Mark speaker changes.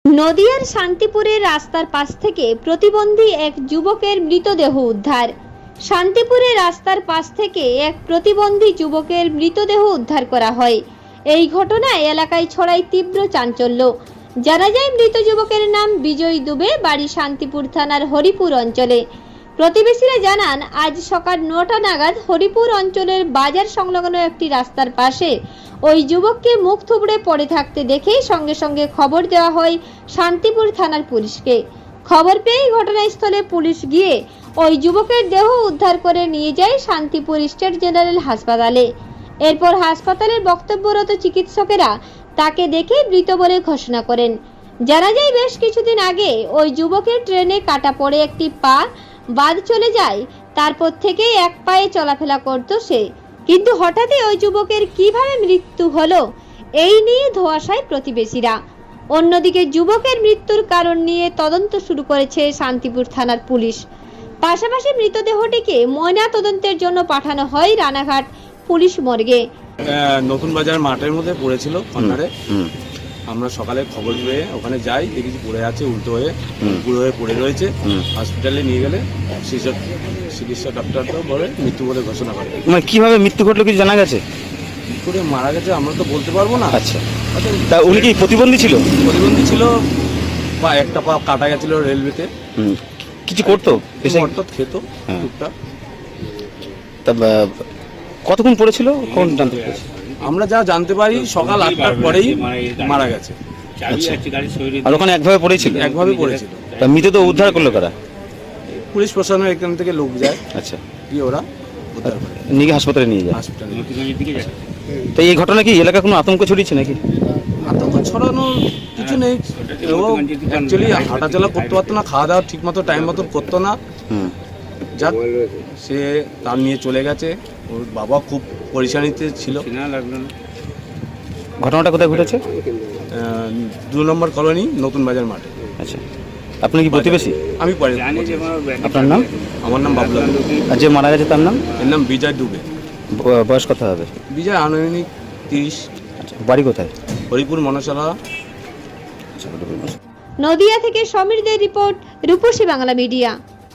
Speaker 1: নদিয়ার শান্তিপুরের রাস্তার পাশ থেকে প্রতিবন্ধী এক যুবকের মৃতদেহ উদ্ধার। শান্তিপুরের রাস্তার পাশ থেকে এক প্রতিবন্ধী যুবকের মৃতদেহ উদ্ধার করা হয়। এই ঘটনায় এলাকায় ছড়ায় তীব্র চাঞ্চল্য। জানা যায়, মৃত যুবকের নাম বিজয় দুবে, বাড়ি শান্তিপুর থানার হরিপুর অঞ্চলে। প্রতিবেশীরা জানান, আজ সকাল 9টা নাগাদ হরিপুর অঞ্চলের বাজার সংলগ্ন একটি রাস্তার পাশে ওই যুবককে মুখ থুবড়ে পড়ে থাকতে দেখে সঙ্গে সঙ্গে খবর দেওয়া হয় শান্তিপুর থানার পুলিশকে। খবর পেয়ে ঘটনাস্থলে পুলিশ গিয়ে ওই যুবকের দেহ উদ্ধার করে নিয়ে যায় শান্তিপুর স্টেট জেনারেল হাসপাতালে। এরপর হাসপাতালের বক্তব্যরত চিকিৎসকেরা তাকে দেখে মৃত বলে ঘোষণা করেন। জানা যায়, বেশ কিছুদিন আগে ওই যুবকের ট্রেনে কাটা পড়ে একটি পা বাদ চলে যায়। তারপর থেকে এক পায়ে চলাফেরা করত সে, কিন্তু হঠাৎই ওই যুবকের কিভাবে মৃত্যু হলো এই নিয়ে ধোঁয়াশায় প্রতিবেশীরা। অন্যদিকে যুবকের মৃত্যুর কারণ নিয়ে তদন্ত শুরু করেছে শান্তিপুর থানার পুলিশ। পাশাপাশি মৃতদেহটিকে ময়না তদন্তের জন্য পাঠানো হয় রানাঘাট পুলিশ মর্গে।
Speaker 2: নতুন বাজার মাঠের মধ্যে পড়েছিল কর্নারে। আমরা সকালে খবর পেয়ে ওখানে যাই, দেখেছি পড়ে আছে, উল্টো হয়ে পুরো হয়ে পড়ে রয়েছে। হসপিটালে নিয়ে গেলে চিকিৎসা ডক্টর তো বলে মৃত্যু বলে ঘোষণা করে।
Speaker 3: মানে কিভাবে মৃত্যু ঘটলো কিছু জানা গেছে?
Speaker 2: কি করে মারা গেছে আমরা তো বলতে পারবো না।
Speaker 3: আচ্ছা, তা উনি কি প্রতিবন্ধী ছিল?
Speaker 2: প্রতিবন্ধী ছিল, বা একটা পা কাটা গেছিল রেলওয়েতে।
Speaker 3: কিছু করতো,
Speaker 2: অর্থাৎ খেত টুকটাক।
Speaker 3: তা কতক্ষণ পড়েছিল কোন জানতে পেরেছি?
Speaker 2: আমরা যা জানতে পারি সকাল 8টার পরেই মারা গেছে।
Speaker 3: আর ওখানে একভাবে পড়েছিল?
Speaker 2: একভাবে পড়েছিল।
Speaker 3: তা মৃতদেহ উদ্ধার করলো কারা?
Speaker 2: পুলিশ প্রশাসনের এখান থেকে লোক যায়,
Speaker 3: আচ্ছা,
Speaker 2: গিয়ে ওরা উদ্ধার করে
Speaker 3: নিয়ে হাসপাতালে নিয়ে যায়।
Speaker 2: হসপিটালে।
Speaker 3: তো এই ঘটনা কি এলাকা কোনো আতঙ্ক ছড়িয়েছে নাকি?
Speaker 2: আতঙ্ক ছড়ানোর কিছু নেই। ও অ্যাকচুয়ালি হাঁটাচলা করতে পারতো না, খাওয়া দাওয়া ঠিক মতো টাইম মতো করতো না। যাক, সে তার নিয়ে চলে গেছে। ওর বাবা খুব পরেশানিতে ছিল।
Speaker 3: ঘটনাটা কোথায় ঘটেছে?
Speaker 2: 2 নম্বর কলোনি, নতুন বাজার মাঠে।
Speaker 3: আচ্ছা, আপনি কি প্রতিবেশী?
Speaker 2: আমি পরে।
Speaker 3: আপনার নাম?
Speaker 2: আমার নাম বাবুলাল।
Speaker 3: আর যে মারা গেছে তার নাম?
Speaker 2: এর নাম বিজয় দুবে।
Speaker 3: বয়স কত হবে?
Speaker 2: বিজয় আনুমানিক 30।
Speaker 3: আচ্ছা, বাড়ি কোথায়?
Speaker 2: হরিপুর মনসালা।
Speaker 1: নদিয়া থেকে সমীর দের রিপোর্ট, রূপসী বাংলা মিডিয়া।